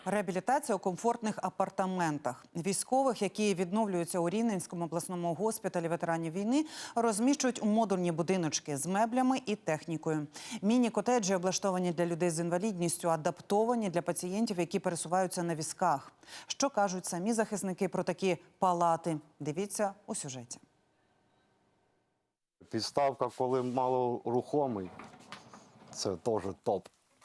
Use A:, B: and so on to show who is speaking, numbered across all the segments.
A: Реабілітація у комфортних апартаментах. Військових, які відновлюються у Рівненському обласному госпіталі ветеранів війни, розміщують у модульні будиночки з меблями і технікою. Міні-котеджі облаштовані для людей з інвалідністю, адаптовані для пацієнтів, які пересуваються на візках. Що кажуть самі захисники про такі палати? Дивіться у сюжеті.
B: Підставка, коли малорухомий, це теж топ.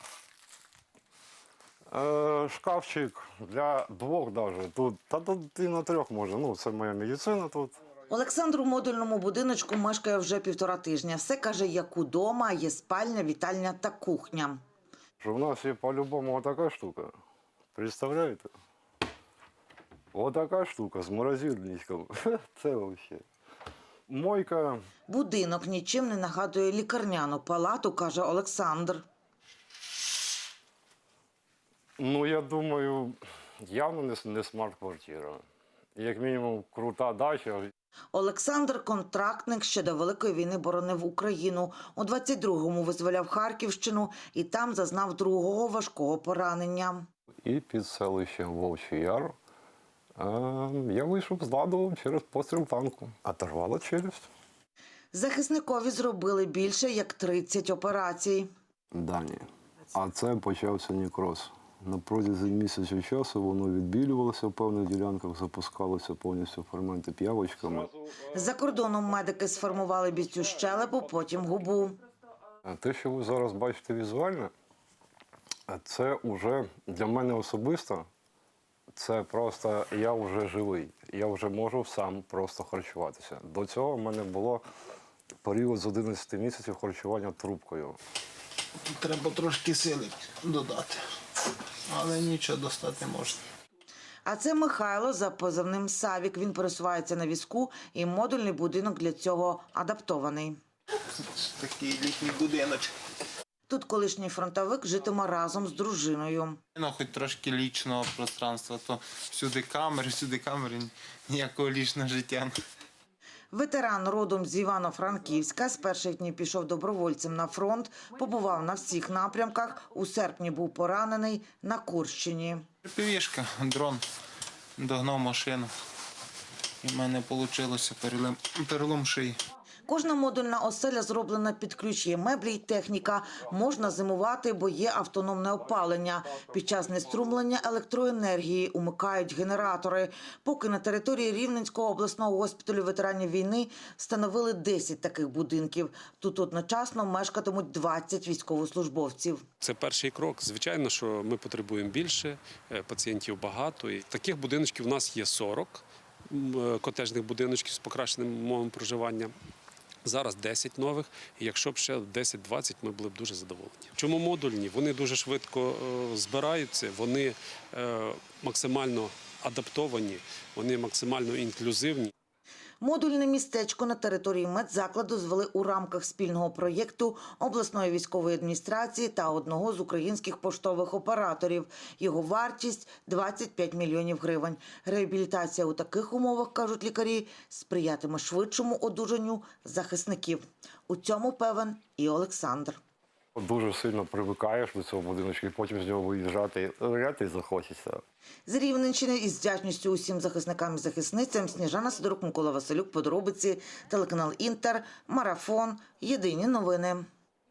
B: Шкафчик для двох навіть. Тут і на трьох може. Ну, це моя медицина тут.
C: Олександр у модульному будиночку мешкає вже 1,5 тижня. Все, каже, як удома, є спальня, вітальня та кухня.
B: У нас є по-любому отака штука. Представляєте? Отака штука з морозильником. Це взагалі. Мойка.
C: Будинок нічим не нагадує лікарняну палату, каже Олександр.
B: Ну, я думаю, явно не смарт-квартира. Як мінімум, крута дача.
C: Олександр – контрактник, ще до Великої війни боронив Україну. У 22-му визволяв Харківщину і там зазнав другого важкого поранення.
B: І під селищем Вовчий Яр я вийшов з ладу через постріл танку. Оторвало челюсть.
C: Захисникові зробили більше як 30 операцій.
B: Дані. А це почався некроз. На протязі місяця часу воно відбілювалося в певних ділянках, запускалося повністю ферменти п'явочками.
C: За кордоном медики сформували бійцю щелепу, потім губу.
B: Те, що ви зараз бачите візуально, це вже для мене особисто, це просто я вже живий. Я вже можу сам просто харчуватися. До цього в мене було період з 11 місяців харчування трубкою.
D: Треба трошки сили додати, але нічого достати можна.
C: А це Михайло за позивним Савік. Він пересувається на візку і модульний будинок для цього адаптований.
D: Такий літній будиночок.
C: Тут колишній фронтовик житиме разом з дружиною.
D: Ну, хоч трошки лічного пространства, то всюди камери, ніякого лічного життя.
C: Ветеран родом з Івано-Франківська, з перших днів пішов добровольцем на фронт, побував на всіх напрямках, у серпні був поранений на Курщині.
D: Півішка, дрон, догнав машину, і в мене вийшло перелом шиї.
C: Кожна модульна оселя зроблена під ключ, є меблі й техніка. Можна зимувати, бо є автономне опалення. Під час знеструмлення електроенергії умикають генератори. Поки на території Рівненського обласного госпіталю ветеранів війни встановили 10 таких будинків. Тут одночасно мешкатимуть 20 військовослужбовців.
E: Це перший крок. Звичайно, що ми потребуємо більше, пацієнтів багато. І таких будиночків у нас є 40 котеджних будиночків з покращеним умовами проживання. Зараз 10 нових, і якщо б ще 10-20, ми були б дуже задоволені. Чому модульні? Вони дуже швидко збираються, вони максимально адаптовані, вони максимально інклюзивні.
C: Модульне містечко на території медзакладу звели у рамках спільного проєкту обласної військової адміністрації та одного з українських поштових операторів. Його вартість – 25 мільйонів гривень. Реабілітація у таких умовах, кажуть лікарі, сприятиме швидшому одужанню захисників. У цьому певен і Олександр.
B: Дуже сильно привикаєш до цього будиночку, і потім з нього виїжджати і захочеться.
C: З Рівненщини із вдячністю усім захисникам і захисницям Сніжана Сидорук, Микола Василюк, подробиці, телеканал Інтер, Марафон, Єдині новини.